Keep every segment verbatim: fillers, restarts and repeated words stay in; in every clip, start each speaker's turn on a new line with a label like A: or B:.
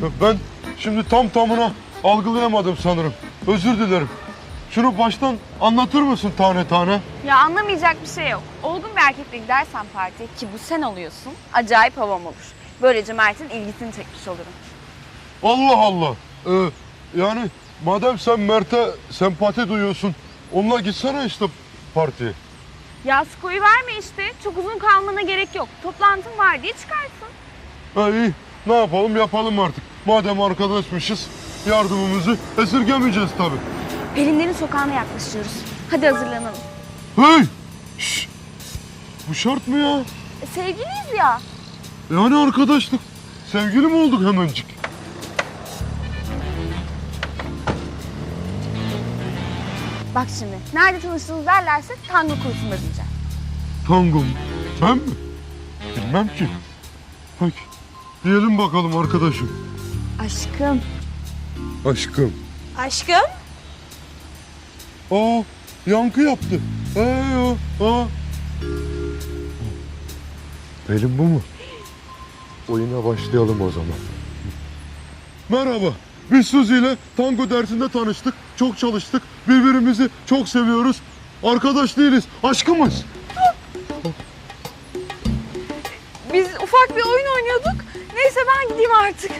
A: Ben şimdi tam tamına algılayamadım sanırım. Özür dilerim. Şunu baştan anlatır mısın tane tane?
B: Ya anlamayacak bir şey yok. Olgun bir erkekle gidersen partiye, ki bu sen oluyorsun, acayip havam olur. Böylece Mert'in ilgisini çekmiş olurum.
A: Allah Allah. Ee, yani madem sen Mert'e sempati duyuyorsun, onunla gitsene işte partiye.
B: Ya skoyu verme işte. Çok uzun kalmana gerek yok. Toplantın var diye çıkarsın.
A: Ha iyi. Ne yapalım yapalım artık. Madem arkadaşmışız, yardımımızı esirgemeyeceğiz tabii.
B: Pelinlerin sokağına yaklaşıyoruz. Hadi hazırlanalım.
A: Hey! Şşş! Bu şart mı ya?
B: E, sevgiliyiz ya.
A: Yani arkadaşlık. Sevgili mi olduk hemencik?
B: Bak şimdi, nerede tanıştınız derlerse tango kursunda diyeceğim.
A: Tango mu? Ben mi? Bilmem ki. Peki. Diyelim bakalım arkadaşım.
B: Aşkım.
A: Aşkım.
B: Aşkım?
A: Aa, yankı yaptı. Ee, aa. Pelin bu mu? Oyuna başlayalım o zaman. Merhaba. Biz Suzi ile tango dersinde tanıştık. Çok çalıştık. Birbirimizi çok seviyoruz. Arkadaş değiliz. Aşkımız.
B: Biz ufak bir oyun oynuyorduk. Neyse ben gideyim artık.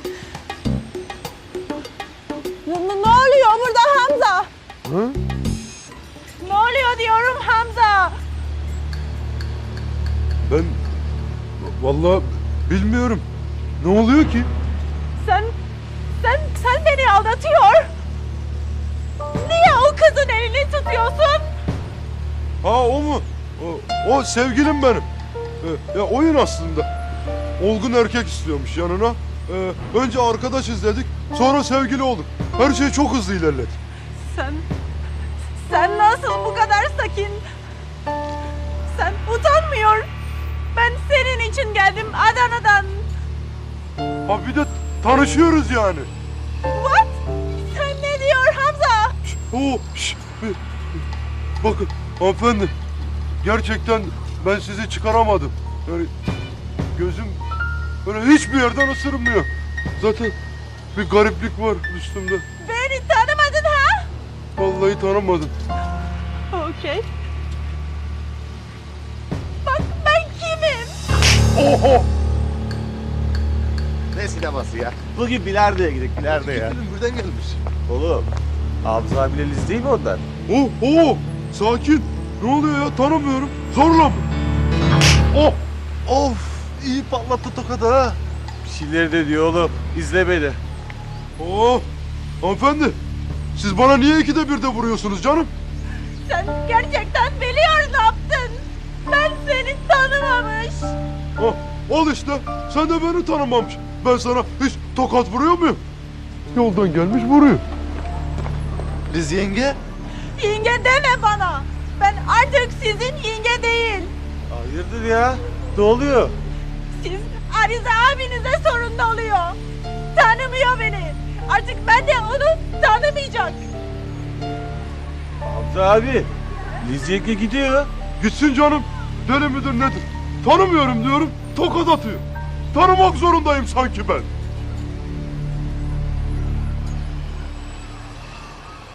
C: Ne, ne oluyor burada Hamza?
A: Ha?
C: Ne oluyor diyorum Hamza?
A: Ben vallahi bilmiyorum. Ne oluyor ki?
C: Sen, sen, sen beni aldatıyor. Niye o kızın elini tutuyorsun?
A: Ha o mu? O, o sevgilim benim. Ee, ya oyun aslında. Olgun erkek istiyormuş yanına. Ee, önce arkadaşız dedik. Sonra sevgili olduk. Her şey çok hızlı ilerledi.
C: Sen, sen nasıl bu kadar sakin? Sen utanmıyor. Ben senin için geldim Adana'dan.
A: Ha bir de tanışıyoruz yani.
C: What? Sen ne diyor Hamza?
A: Şş, Oo, şş, bir- bakın hanımefendi. Gerçekten ben sizi çıkaramadım. Yani gözüm böyle hiçbir yerden ısırmıyor. Zaten bir gariplik var üstümde.
C: Beni tanımadın ha?
A: Vallahi tanımadım.
C: Okey. Bak ben kimim?
A: Oho!
D: Ne sineması ya? Bugün bilardoya gidelim, bilardoya.
A: Film buradan gelmiş.
D: Oğlum, Hamza abiyle Liz değil mi onlar?
A: Oh, oh! Sakin. Ne oluyor ya? Tanımıyorum. Zorla mı? Oh!
D: Of, iyi patlattı tokadı ha. Bir şeyler de diyor oğlum, izle beni.
A: Oh! Hanımefendi, siz bana niye ikide bir de vuruyorsunuz canım?
C: Sen gerçekten biliyor ne yaptın. Ben seni tanımamış.
A: Oh, al işte. Sen de beni tanımamış. Ben sana hiç tokat vuruyor muyum? Yoldan gelmiş vuruyor.
D: Liz yenge?
C: Yenge deme bana. Ben artık sizin yenge değil.
D: Hayırdır ya? Ne oluyor?
C: Siz Arize abinize sorun ne oluyor? Tanımıyor beni. Artık ben de onu tanımayacak.
D: Hamza abi, Liz yenge gidiyor.
A: Gitsin canım. Deli midir nedir? Tanımıyorum diyorum, tokat atıyor. Tanımak zorundayım sanki ben.